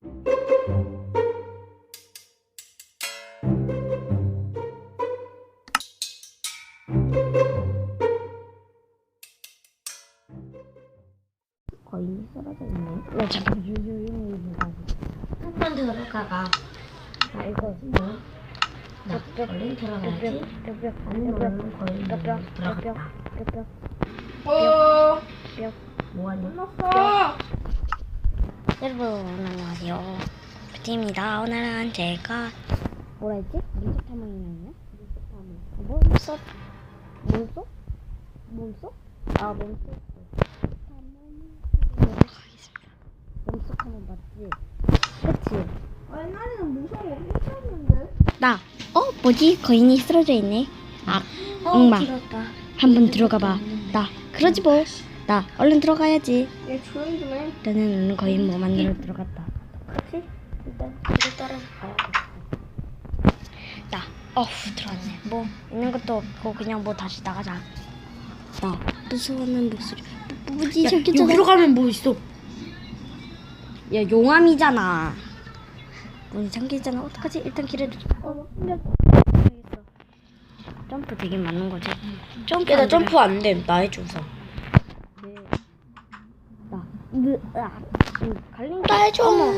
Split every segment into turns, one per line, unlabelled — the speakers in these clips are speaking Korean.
거인이 쓰러져 있네. 야, 잠깐 조용히 보자.
한번 들어가봐.
아, 이거
나 얼른 들어가야지. 아니 너는 거의 들어갔다. 뭐하니?
여러분 안녕하세요. 뷰티입니다. 오늘은 제가 뭐라 했지? 민속 탐험이었냐? 몸속? 아 몸속 탐험 가겠습니다. 몸속 탐험 맞지? 그치?
옛날에는 무서워 했었는데.
나 뭐지? 거인이 쓰러져 있네. 아 엄마
길었다.
한번 들어가봐. 나 그러지 뭐. 나 얼른 들어가야지.
얘 조용히 좀 해.
나는 거인 뭐 만나러 들어갔다.
그치? 일단 뒤로 따라서 가야겠다.
나 들어왔네. 뭐 있는 것도 없고 그냥 뭐 다시 나가자. 나 무서워하는 목소리. 뭐지 저기
여기로 가면 뭐 있어?
야 용암이잖아. 문이 잠기잖아. 어떡하지? 일단 길을 점프 되게 많은 거지. 점프
나
안
점프 안 돼. 나 해줘 우선.
갈린
나 해줘.
아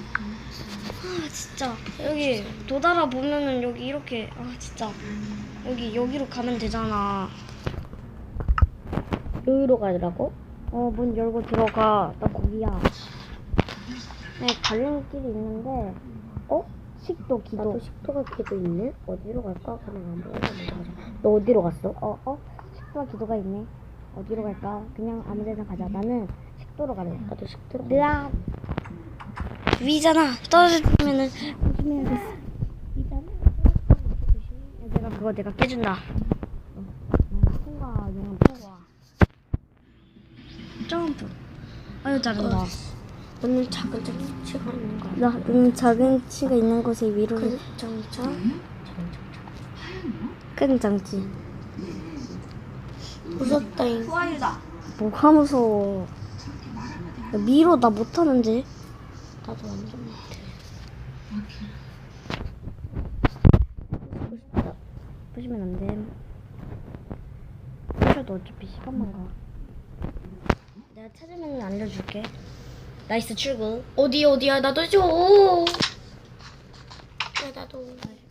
진짜 여기 도달아 보면은 여기 이렇게 진짜 여기로 가면 되잖아.
여기로 가더라고?
문 열고 들어가. 나 거기야. 네, 갈린 길이 있는데 식도 기도.
나도 식도가 기도 있네. 어디로 갈까? 그냥 안 보여. 너 어디로 갔어?
식도와 기도가 있네. 어디로 갈까? 그냥 아무 데나 가자. 나는 식도로 갈래.
나도 식도로.
으아 위잖아. 떨어지면은 조심해야겠어. 내가 깨준다. 통과 용암 통과. 점프. 아유 잘한다.
너는 작은 치가 있는 거야.
나는 작은 치가 있는 곳에 위로
큰 장차.
큰 장치.
무섭다잉.
후아유다.
뭐가 무서워. 야, 미로 나 못하는데.
나도 완전 못해.
보시면 안 돼. 그래도 어차피 시간만 가. 내가 찾으면 알려줄게. 나이스 출구.
어디야? 나도 줘. 야, 나도.